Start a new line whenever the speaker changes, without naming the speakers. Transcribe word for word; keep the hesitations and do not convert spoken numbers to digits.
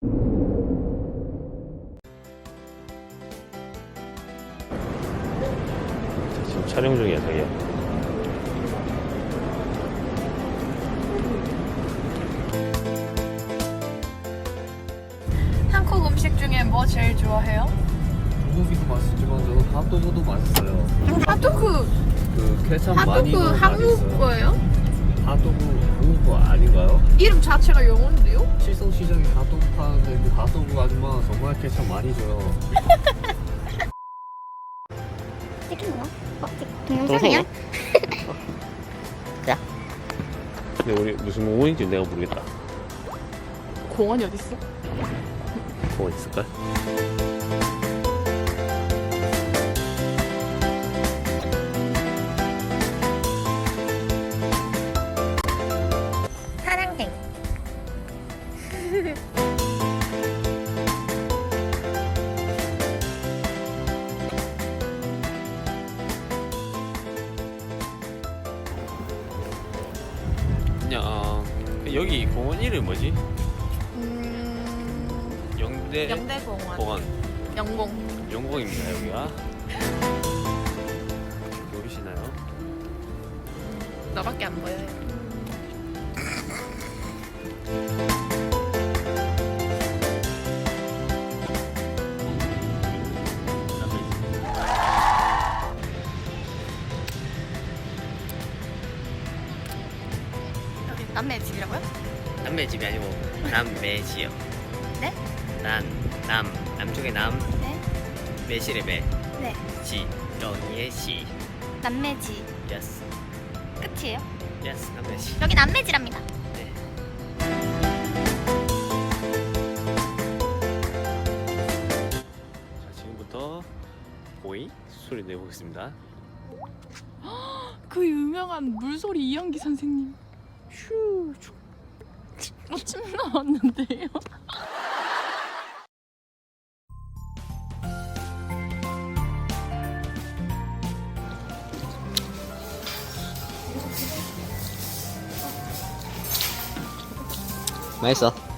지금 촬영 중이야, 자기야.
한국 음식 중에 뭐 제일 좋아해요?
불고기도 맛있지만 저는 핫도그도 맛있어요.
핫도그.
그 케찹 많이
핫도그
넣은
한국
맛있어요.
거예요?
핫도그 한국 거 아닌가요?
이름 자체가 영어인데요?
칠성시장에 핫도그 파는데 그 핫도그 아줌마 정말 케찹 많이 줘요.
찍힌 거야? 어? 동영상이야?
근데 우리 무슨 공원인지 내가 모르겠다.
공원이 어딨어?
공원 있을까?
사랑행.
그냥 어, 여기 공원 이름 뭐지?
음...
영대
영대공원.
공원.
영공.
영공입니다 여기가. 모르시나요?
너밖에 안 보여요. 여기 남매 집이라고요?
남매 집이 아니고 남매지요.
네?
남, 남, 남쪽의 남,
네?
매실의 매,
네.
지, 영희의 시.
남매지.
예스,
끝이에요?
예스, 남매지.
여기 남매지랍니다.
네.
자 지금부터 보이 소리 내보겠습니다.
그 유명한 물소리 이연기 선생님. 휴. 어, 침 나왔는데요?
맛있어.